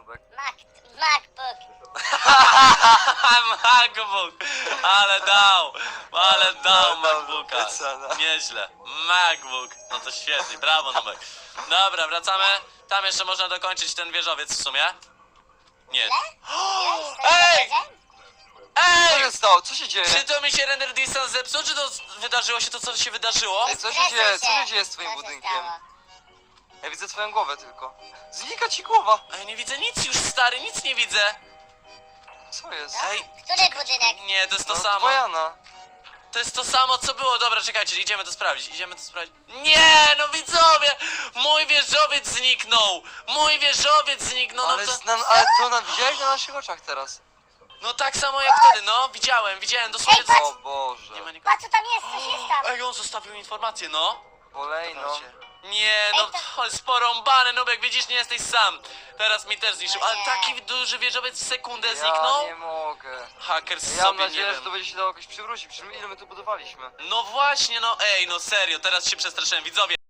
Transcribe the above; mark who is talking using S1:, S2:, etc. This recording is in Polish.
S1: Nubek?
S2: MacBook.
S3: MacBook! Ale dał
S1: No,
S3: MacBooka.
S1: cena.
S3: Nieźle. MacBook. No to świetnie, brawo Nubek. Dobra, wracamy. Tam jeszcze można dokończyć ten wieżowiec w sumie. Nie. Ej!
S1: Co
S3: Ej!
S1: się stało? Co się dzieje?
S3: Czy to mi się render distance zepsuł, czy to wydarzyło się to, co się wydarzyło?
S1: Ej, co się dzieje? Co się dzieje z twoim budynkiem? Ja widzę twoją głowę tylko. Znika ci głowa!
S3: A ja nie widzę nic już, stary, nic nie widzę.
S1: Co jest?
S3: Ej,
S2: Który budynek?
S3: nie, to jest to
S1: No,
S3: samo.
S1: Dwojana.
S3: To jest to samo, co było. Dobra, czekajcie, idziemy to sprawdzić, Nie, no widzowie! Mój wieżowiec zniknął! Mój wieżowiec zniknął, no
S1: Ale,
S3: to...
S1: ale to widziałeś na naszych oczach teraz.
S3: No tak samo jak wtedy, no, widziałem, dosłownie...
S2: Ej,
S1: O Boże.
S3: Nie ma nikogo.
S2: Patrz co tam jest, coś jest tam.
S3: Ej, on zostawił informację, no.
S1: Kolejno.
S3: Nie, no, ale sporąbany, Nubek, widzisz, nie jesteś sam. Teraz mi też zniszczył, ale taki duży wieżowiec w sekundę zniknął?
S1: Ja nie mogę.
S3: Hackers
S1: Ja mam
S3: sobie, nie
S1: nadzieję, że
S3: wiem.
S1: to będzie się dało jakoś przywrócić. Przecież ile my tu budowaliśmy.
S3: No właśnie, no ej, no serio, teraz się przestraszyłem, widzowie.